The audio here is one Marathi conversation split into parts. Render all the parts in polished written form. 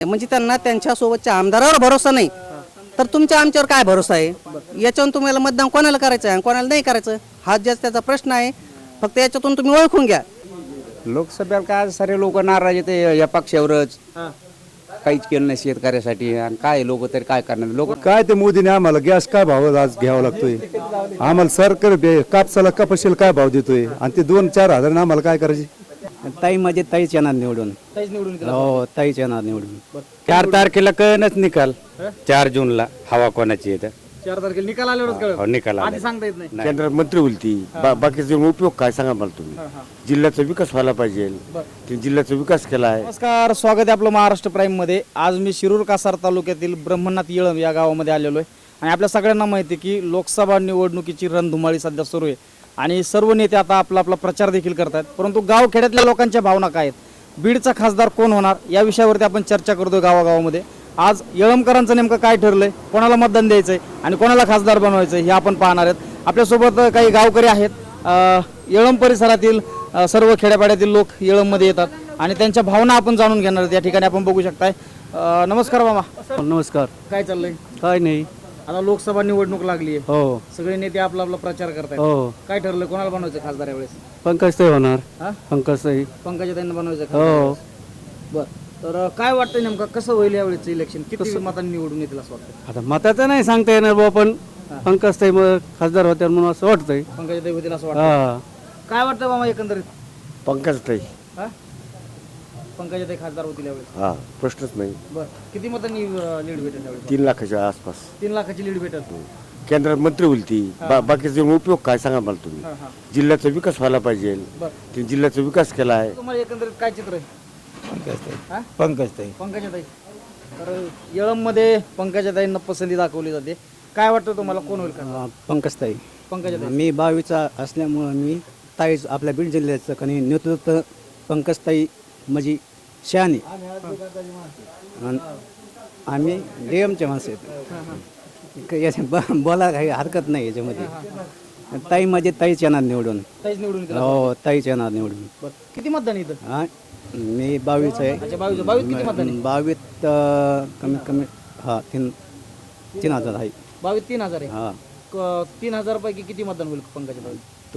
म्हणजे त्यांना त्यांच्यासोबतच्या आमदारावर भरोसा नाही तर तुमच्या आमच्यावर काय भरोसा आहे? याच्यावरून तुम्हाला मतदान कोणाला करायचं आहे आणि कोणाला नाही करायचं हा जस्ट त्याचा प्रश्न आहे. फक्त याच्यातून तुम्ही ओळखून घ्या. लोकसभेला काय सारे लोक नाराज येते या पक्षावरच. काहीच केलं नाही शेतकऱ्यासाठी आणि काय लोक तरी काय करणार लोक. काय ते मोदीने आम्हाला गॅस काय भाव आज घ्यावा लागतोय, आम्हाला सरकार कापसाला कपाशीला काय भाव देतोय आणि ते 2-4 हजार आम्हाला काय करायचे. ताई म्हणजे ताईच येणार निवडून. हो ताईच येणार निवडून. 4 तारखेला कळणच निकाल. 4 जूनला हवा कोणाची येतं 4 तारखेला निकाल आल्यावरच कळलं. निकाल आधी सांगता येत नाही. केंद्रात मंत्री बोलती बाकीचे उपयोग काय सांगा मला तुम्ही. जिल्ह्याचा विकास व्हायला पाहिजे, ते जिल्ह्याचा विकास केला आहे. नमस्कार, स्वागत आहे आपलं महाराष्ट्र प्राईम मध्ये. आज मी शिरूर कासार तालुक्यातील ब्रह्मनाथ येळम या गावामध्ये आलेलो आहे आणि आपल्या सगळ्यांना माहिती आहे की लोकसभा निवडणुकीची रणधुमाळी सध्या सुरू आहे आणि सर्व नेते आता आपला प्रचार देखील करतात. परंतु गावखेड्यातल्या लोकांच्या भावना काय आहेत, बीडचा खासदार कोण होणार या विषयावरती आपण चर्चा करतोय गावागावामध्ये. आज येळमकरांचं नेमकं काय ठरलंय, कोणाला मतदान द्यायचंय आणि कोणाला खासदार बनवायचंय हे आपण पाहणार आहेत. आपल्यासोबत काही गावकरी आहेत. येळम परिसरातील सर्व खेड्यापाड्यातील लोक येळममध्ये येतात आणि त्यांच्या भावना आपण जाणून घेणार आहेत. या ठिकाणी आपण बघू शकताय. नमस्कार मामा. नमस्कार. काय चाललंय? काय नाही. आता लोकसभा निवडणूक लागली आहे. हो सगळे नेते आपला प्रचार करतायत. हो. काय ठरलं, कोणाला बनवायचं खासदार यावेळेस? पंकज ताई होणार. हा? पंकज ताई. पंकजाताईंना बनवायचं हो. खासदार. बर, तर काय वाटतं नेमकं कसं होईल यावेळेस इलेक्शन? किती मतांनी निवडून येतील असं वाटतं? आता मताचं नाही सांगता येणार बुवा, पण पंकज ताई मग खासदार होत्या म्हणून असं वाटतंय. पंकजाताई होतील असं वाटतं. हा. काय वाटतं मामा एकंदरीत? पंकज ताई. हा? पंकजाताई खासदार होतील यावेळेस. हा, प्रश्नच नाही. बर, किती मतांनी लीड भेटेल यावेळेस? 3 लाखाच्या आसपास. 3 लाखाची लीड भेटेल. केंद्रात मंत्री बोलती बाकीचे उपयोग काय सांगा मला तुम्ही. हा, हा. जिल्ह्याचा विकास व्हायला पाहिजे, बर, ते जिल्ह्याचा विकास केला आहे. तुम्हाला एकंदरीत काय चित्र आहे? हा? पंकज ताई. पंकजाताई. तर येळममध्ये पंकजाताईंना पसंती दाखवली जाते. काय वाटतं तुम्हाला, कोण होईल खासदार? पंकज ताई. पंकजाताई. मी 22चा असल्यामुळं मी ताईच आपल्या बीड जिल्ह्याचं कणी नेतृत्व पंकज ताई म्हणजे शहाणी. आणि आम्ही डीएमचे माणसं आहेत. बोला काही हरकत नाही याच्यामध्ये. ताई म्हणजे ताईच येणार निवडून. ताईच निवडून येतील. हो ताईच येणार निवडून. बर, किती मतदान इथं? हा मी 22 आहे. अच्छा, 22 किती मतदान आहे? 22 कमीत कमी हा 3,000 आहे. 22 3,000 आहे. हा 3,000 पैकी किती मतदान होईल पंकजाताई?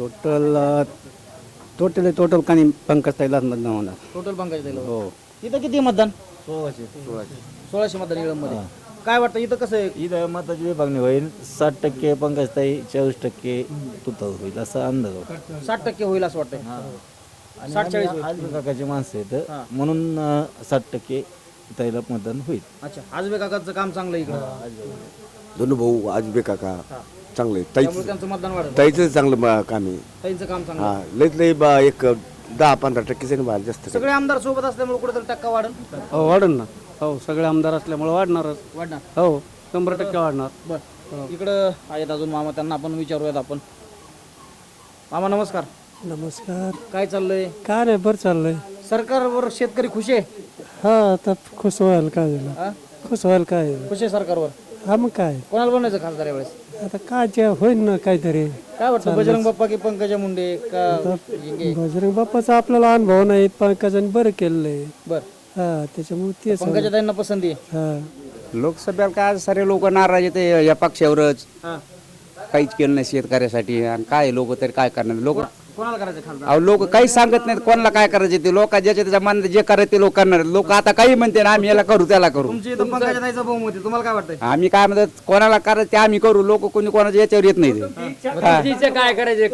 टोटल काही पंकज ताईलाच मतदान होणार. टोटल पंकजाताईला. हो. इथं किती मतदान? 1600 मतदान येळममध्ये. काय वाटतं इथं कसं आहे? इथं मताची विभागणी होईल. 60% पंकजताई, 40% तुतार होईल असा अंदाज होता. 60% होईल असं वाटतंय. 60-40 होईल. आजबे काकाची माणसं हा. आहेत म्हणून 60% ताईला मतदान होईल. अच्छा, आजबे काकाचं काम चांगलं आहे इकडं. दोन्ही भाऊ आजबे काका चांगले. त्यामुळे त्यांचं मतदान वाढतं. ताईचं चांगलं काम ताईंचं काम चांगलं हा, आहे. लईत लई एक 10-15% बाहेर जास्त. सगळे आमदार सोबत असल्यामुळे कुठेतरी टक्का वाढेल. हो वाढन ना. हो सगळे आमदार असल्यामुळे वाढणारच. वाढणार. हो 100% वाढणार. बर, इकडं आहेत अजून मामा, त्यांना आपण विचारूयात. आपण मामा नमस्कार. नमस्कार. काय चाललंय? काय नाही, बरं चाललंय. सरकारवर शेतकरी खुश आहे? हा, आता खुश व्हायला काय झालं, हा? खुश व्हायला काय झालं? खुश आहे सरकारवर. हा मग काय, कोणाला बनायचं खासदार यावेळेस? आता काय जे होईल ना काहीतरी. काय वाटतं, बजरंग बाप्पा की पंकजा मुंडे का झिंगे? बजरंग बाप्पाचा आपल्याला अनुभव नाही, पंकजाने बरं केलेलं. बर, हा त्याच्यामुळे तेच. पंकजाताईंना पसंती आहे. हा लोकसभेला काय सारे लोक नाराज येते या पक्षावरच. हा. काहीच केलं नाही शेतकऱ्यासाठी आणि काय लोक तरी काय करणार लोक. कोणाला करायचं खासदार? अहो लोक काही सांगत नाहीत कोणाला काय करायचे ते. लोक ज्याच्या त्याच्या मनात जे करायचे ते लोक करणार. लोक आता काही म्हणते ना आम्ही याला करू त्याला करू. तुमची इथं पंकजाताईचं बहुमत आहे, तुम्हाला काय वाटतंय? आम्ही काय म्हणतात कोणाला करायचं ते आम्ही करू. लोक कोणी कोणाच्या याच्यावर येत नाही ते. काय करायचे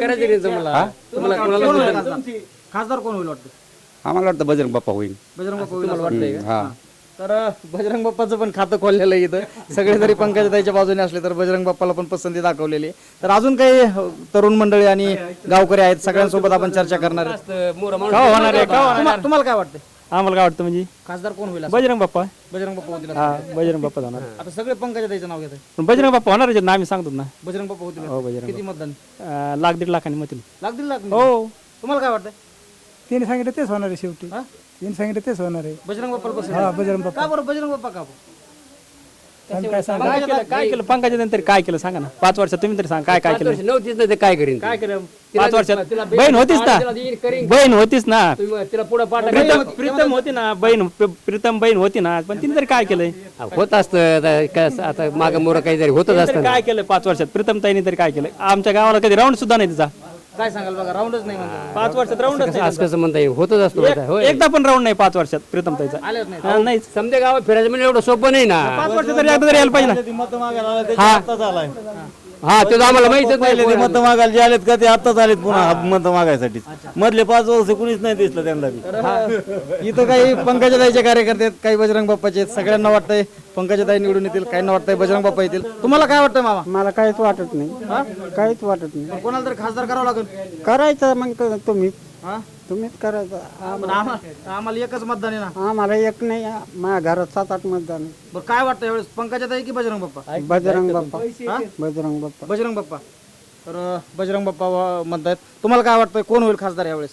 खासदार कोण होईल वाटतं? आम्हाला वाटतं बजरंग बाप्पा होईल. बजरंग बाप्पा होईल असं वाटतंय का? हा. तर बजरंग बाप्पाचं पण खातं खोललेलं आहे इथं. सगळे जरी पंकजाताईच्या बाजूने असले तर बजरंग बाप्पाला पण पसंती दाखवलेली आहे. तर अजून काही तरुण मंडळी आणि गावकरी आहेत, सगळ्यांसोबत आपण चर्चा करणार आहोत. तुम्हाला काय वाटतं, आम्हाला काय वाटतं म्हणजे खासदार कोण होईल असं? बजरंग बाप्पा. बजरंग बाप्पा होतील असं वाटतंय. बजरंग बाप्पा जाणार. आता सगळे पंकजाताईचं नाव घेत आहे. पण बजरंग बाप्पा होणार ना, आम्ही सांगतो ना. बजरंग बाप्पा होतील हो, असं. बजरंग किती मतदान? 1,00,000-1,50,000 लाखांनी मतील. लाख दीड लाख? हो. तुम्हाला काय वाटतं? त्यांनी सांगितलं तेच होणार आहे शेवटी. हा? त्यांनी सांगितलं तेच होणार आहे. बजरंग बाप्पाला पसंत हा आहे. बजरंग बाप्पा. का बरं बजरंग बाप्पा का बरं? काय केलं पंकजा नंतर काय केलं सांगा ना 5 वर्षात तुम्ही तरी सांगा काय केलं नव्हतीच ना ते काय करीन काय केलं 5 वर्षात बहीण होतीच ना बहीण होतीच ना तिला पुढे प्रीतम होती ना प्रीतम बहीण होती ना पण तिने तरी काय केलंय होत असतं आता माग मोर काहीतरी होतच तिने असतं तरी काय केलं 5 वर्षात प्रीतम ताईने तरी काय केलं आमच्या गावाला कधी राऊंड सुद्धा नाही तिचा काय सांगाल बघा राऊंडच नाही म्हणजे 5 वर्षात राऊंडच नाही असं कसं म्हणता येईल होतच असतो त्यांचा. एकदा पण राऊंड नाही 5 वर्षात प्रीतम ताईचा आलेच नाही नाही समजा गावात फिरायचं म्हणजे एवढं सोपं नाही ना 5 वर्षात तरी एकदा तरी यायला पाहिजे ना हा ते तर आम्हाला माहितच पहिले ते नाही मत मागायला जे आलेत का ते आत्ताच आलेत पुन्हा मत मागायसाठी मधले 5 वर्ष कुणीच नाही दिसलं त्यांना बी. इथं काही पंकजाताईचे कार्यकर्ते आहेत काही बजरंग बाप्पाचे आहेत सगळ्यांना वाटतंय पंकजाताई निवडून येतील काहींना वाटतंय बजरंग बाप्पा येतील तुम्हाला काय वाटतंय मामा मला काहीच वाटत नाही काहीच वाटत नाही कोणाला तरी खासदार करावं लागेल करायचं मग तुम्ही हा तुम्हीच करायचं पण आम्हाला एकच मतदान आहे ना आम्हाला एक नाही माझ्या घरात 7-8 मतदान आहे. बरं काय वाटतं यावेळेस पंकजाताई की बजरंग बाप्पा बजरंग बाप्पा बजरंग बाप्पा बजरंग बाप्पा तर बजरंग बाप्पा म्हणतायत तुम्हाला काय वाटतंय कोण होईल खासदार यावेळेस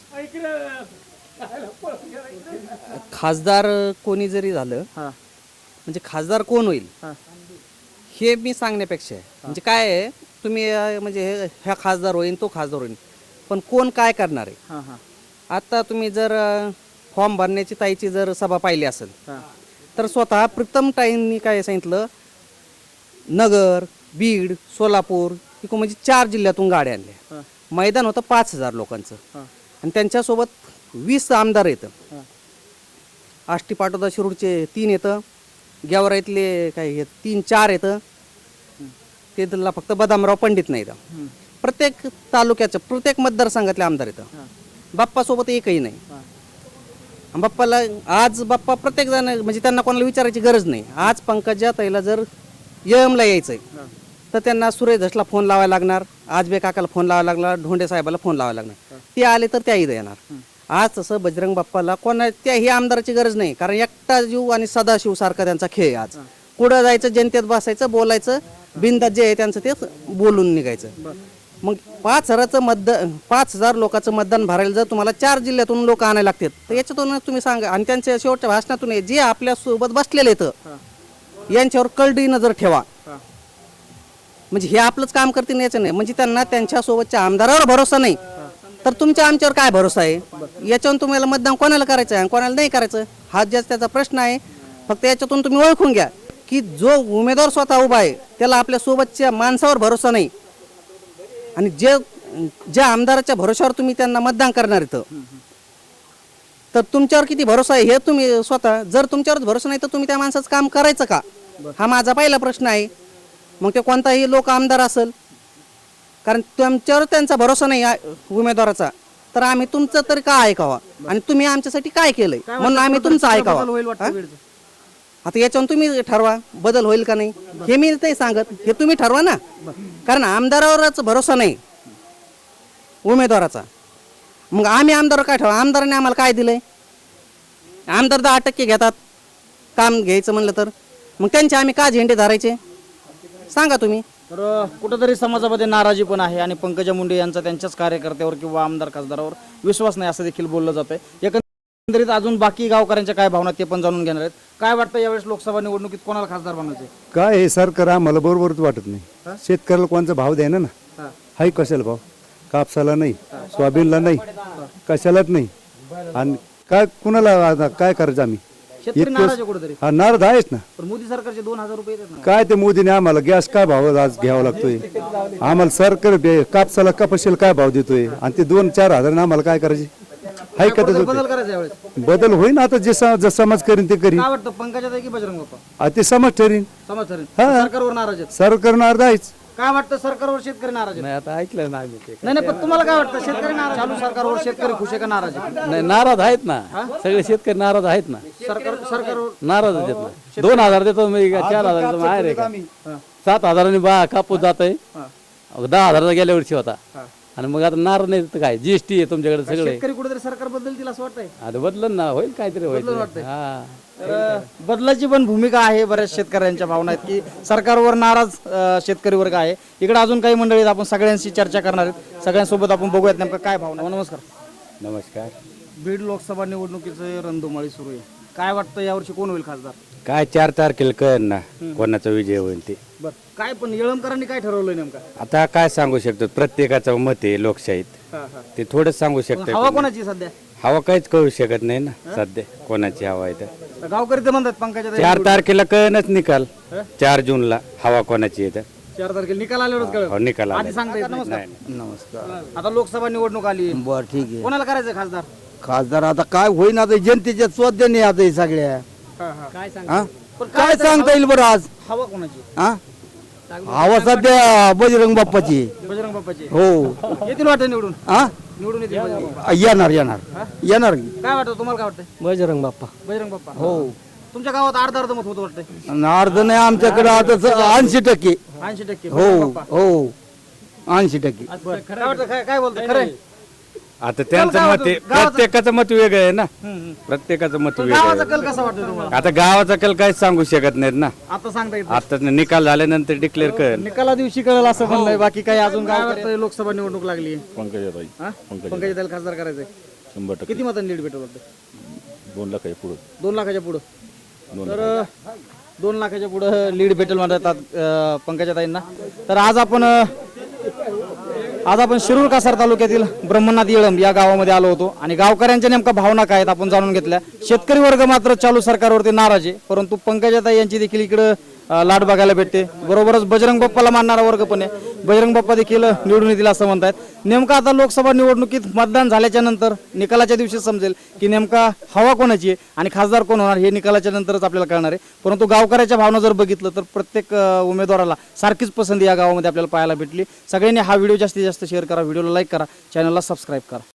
खासदार कोणी जरी झालं हा म्हणजे खासदार कोण होईल हा. हे मी सांगण्यापेक्षा आहे. म्हणजे काय आहे तुम्ही म्हणजे ह्या खासदार होईल तो खासदार होईल पण कोण काय करणार आहे हा हा आता तुम्ही जर फॉर्म भरण्याची ताईची जर सभा पाहिली असेल हा तर स्वतः प्रीतम ताईंनी काय सांगितलं नगर बीड सोलापूर इकडून म्हणजे 4 जिल्ह्यातून गाड्या आणल्या मैदान होतं 5,000 लोकांचं आणि त्यांच्यासोबत 20 आमदार येतं आष्टी पाटोदा शिरूरचे 3 येतं गेवराईतले काय हे 3-4 येतं ते त्याला फक्त बदामराव पंडित नाही येतं प्रत्येक तालुक्याचं प्रत्येक मतदारसंघातले आमदार येतं बाप्पासोबत एकही नाही बाप्पाला आज बाप्पा प्रत्येक जण म्हणजे त्यांना कोणाला विचारायची गरज नाही आज पंकजा ताईला जर यमला यायचंय तर त्यांना सुरेश धसला फोन लावायला लागणार आजबे काकाला फोन लावायला लागणार ढोंडे साहेबाला फोन लावायला लागणार ते आले तर त्याही येणार आज तसं बजरंग बाप्पाला कोणा त्याही आमदाराची गरज नाही कारण एकटा जीव आणि सदाशिव सारखा त्यांचा खेळ आहे आज कुठं जायचं जनतेत बसायचं बोलायचं बिनधास्त जे आहे त्यांचं ते बोलून निघायचं मग 5,000 लोकांचं मतदान भरायला जर तुम्हाला 4 जिल्ह्यातून लोक आणायला लागतात तर याच्यातून तुम्ही सांगा आणि त्यांच्या शेवटच्या भाषणातून जे आपल्या सोबत बसलेले आहेत यांच्यावर कळडी नजर ठेवा म्हणजे हे आपलंच काम करतील याचं नाही म्हणजे त्यांना त्यांच्या सोबतच्या आमदारावर भरोसा नाही तर तुमच्या आमच्यावर काय भरोसा आहे याच्यावरून तुम्हाला मतदान कोणाला करायचं आहे आणि कोणाला नाही करायचं हा ज्याच त्याचा प्रश्न आहे फक्त याच्यातून तुम्ही ओळखून घ्या की जो उमेदवार स्वतः उभा आहे त्याला आपल्या सोबतच्या माणसावर भरोसा नाही आणि ज्या आमदाराच्या भरोशावर तुम्ही त्यांना मतदान करणार इथं तर तुमच्यावर किती भरोसा आहे हे तुम्ही स्वतः जर तुमच्यावर भरोसा नाही तर तुम्ही त्या माणसाचं काम करायचं का हा माझा पहिला प्रश्न आहे मग ते कोणताही लोक आमदार असेल कारण तुमच्यावर त्यांचा भरोसा नाही उमेदवाराचा तर आम्ही तुमचं तरी का ऐकावं आणि तुम्ही आमच्यासाठी काय केलंय म्हणून आम्ही तुमचं ऐकावं आता याच्यावर तुम्ही ठरवा बदल होईल का नाही हे मी नाही सांगत हे तुम्ही ठरवा ना कारण आमदारावरच भरोसा नाही उमेदवाराचा मग आम्ही आमदार काय ठरवा आमदाराने आम्हाला काय दिलंय आमदार 10% घेतात काम घ्यायचं म्हणलं तर मग त्यांचे आम्ही का झेंडे धरायचे सांगा तुम्ही तर कुठंतरी समाजामध्ये नाराजी पण आहे आणि पंकजा मुंडे यांचा त्यांच्याच कार्यकर्त्यावर किंवा आमदार खासदारावर विश्वास नाही असं देखील बोललं जात आहे एकंदरीत अजून बाकी गावकऱ्यांच्या काय भावना ते पण जाणून घेणार आहेत काय वाटतं यावेळेस लोकसभा निवडणुकीत कोणाला खासदार बनायचे काय हे सरकार आम्हाला बरोबरच वाटत नाही शेतकऱ्याला कोणचा भाव द्यायना ना हाय कशाला भाव कापसाला नाही सोयाबीनला नाही कशालाच नाही आणि काय कुणाला आता काय करायचं आम्ही शेतकरी नाराज आहे कुठेतरी हा नारद आहेच ना पण मोदी सरकारचे 2,000 रुपये येतात ना काय ते मोदीने आम्हाला गॅस काय भाव आज घ्यावा लागतोय आम्हाला सरकार कापसाला कपाशीला काय भाव देतोय आणि ते 2-4 हजार आम्हाला काय करायचे हाय का बदल करायचा यावेळेस बदल होईन आता जे समाज करीन ते करीन काय वाटतं पंकजाताई की बजरंग बाप्पा ते समाज ठरीन समाज ठरेल हा. सरकारवर नाराज आहेत सरकार नारद आहेच काय वाटतं सरकारवर शेतकरी नाराज आहेत नाही आता ऐकलं नाही मी ते नाही नाही पण तुम्हाला काय वाटतं शेतकरी नाराज चालू सरकारवर शेतकरी खुश आहे का नाराज आहे नाही नाराज आहेत ना सगळे शेतकरी नाराज आहेत ना सरकारवर नाराज आहेत ना 2,000 देतो मी 4,000 देतो आहे रे का 7,000 कापूस जात आहे 10,000 गेल्या वर्षी होता आणि मग आता नाराज नाही तर काय जीएसटी आहे तुमच्याकडे सगळे शेतकरी कुठेतरी सरकार बदलतील असं वाटतंय आता बदलन ना होईल काहीतरी होईल वाटतंय. हा तर बदलाची पण भूमिका आहे बऱ्याच शेतकऱ्यांच्या भावना आहेत की सरकारवर नाराज शेतकरी वर्ग आहे इकडे अजून काही मंडळी आहेत आपण सगळ्यांशी चर्चा करणार आहेत सगळ्यांसोबत आपण बघूयात नेमकं काय भावना नमस्कार नमस्कार बीड लोकसभा निवडणुकीचं रणधुमाळी सुरू आहे काय वाटतं यावर्षी कोण होईल खासदार काय 4 तारखेला कळेल ना कोणाचा विजय होईल ते. बर काय पण येळमकरांनी काय ठरवलंय नेमका? आता काय सांगू शकतो, प्रत्येकाचं मत आहे लोकशाहीत, ते थोडंच सांगू हवा शकतो. कोणाची सध्या? हवा काहीच कळू शकत नाही ना सध्या कोणाची हवा आहे तर. तर गावकरी तर म्हणतात पंकजा 4 तारखेला कळेनच निकाल. 4 जूनला हवा कोणाची आहे तर. 4 तारखेला निकाल आल्यावरच कळेल. हो, निकाल आधी आला. सांगता येत नमस्कार. नमस्कार. आता लोकसभा निवडणूक आली, बर ठीक आहे. कोणाला करायचं खासदार? खासदार आता काय होईना आता जनतेच्या स्वाध्याने आता हे सगळ्या काय सांग हा? पण काय सांगता येईल बरं आज हवा कोणाची? हा हवा सध्या बजरंग बाप्पाची बजरंग बाप्पाची. हो येतील वाटतं निवडून? हा निवडून येतील बजरंग बाप्पा. येणार येणार येणार की. काय वाटतं तुम्हाला? काय वाटतंय? बजरंग बाप्पा. बजरंग बाप्पा. हो तुमच्या गावात अर्ध मत होतं वाटतंय. आणि अर्ध नाही आमच्याकडे आता 80%. 80%. हो हो 80%. बरं. काय वाटतं? काय बोलतंय? खरंय? आता त्यांचं मत आहे, प्रत्येकाचं मत वेगळं आहे ना, प्रत्येकाचं मत पण वेगळं गावाचा आहे. कल कसा वाटतोय तुम्हाला? आता गावाचा कल काहीच सांगू शकत नाहीत ना, आता सांगता येत आता निकाल झाल्यानंतर डिक्लेअर करेल. निकाला दिवशी कळेल असं म्हणलंय. बाकी काही अजून काय वाटतंय? लोकसभा निवडणूक लागली, पंकजाताईला खासदार करायचंय. 100% किती मतांनी लीड भेटेल वाटतं? 2 लाखाच्या पुढे. 2 लाखाच्या पुढं. तर 2 लाखाच्या पुढं लीड भेटेल म्हणतात पंकजाताईंना. तर आज आपण शिरूर कासार तालुक्यातील ब्रह्मनाथ येळंब या गावामध्ये आलो होतो आणि गावकऱ्यांच्या नेमका भावना काय आहेत आपण जाणून घेतल्या. शेतकरी वर्ग मात्र चालू सरकारवरती नाराज आहे, परंतु पंकजाताई यांची देखील इकडं लाट बघायला भेटते. बरोबरच बजरंग बाप्पाला मानणारा वर्ग पण आहे. बजरंग बाप्पा देखील निवडून येतील असं म्हणतात. नेमका आता लोकसभा निवडणुकीत मतदान झाल्याच्या नंतर निकालाच्या दिवशी समजेल की नेमका हवा कोणाची आहे आणि खासदार कोण होणार हे निकालाच्या नंतरच आपल्याला कळणार आहे. परंतु गावकऱ्याच्या भावना जर बघितलं तर प्रत्येक उमेदवाराला सारखीच पसंती या गावामध्ये आपल्याला पाहायला भेटली. सगळ्यांनी हा व्हिडिओ जास्तीत जास्त शेअर करा, व्हिडिओला लाईक करा, चॅनलला सबस्क्राईब करा.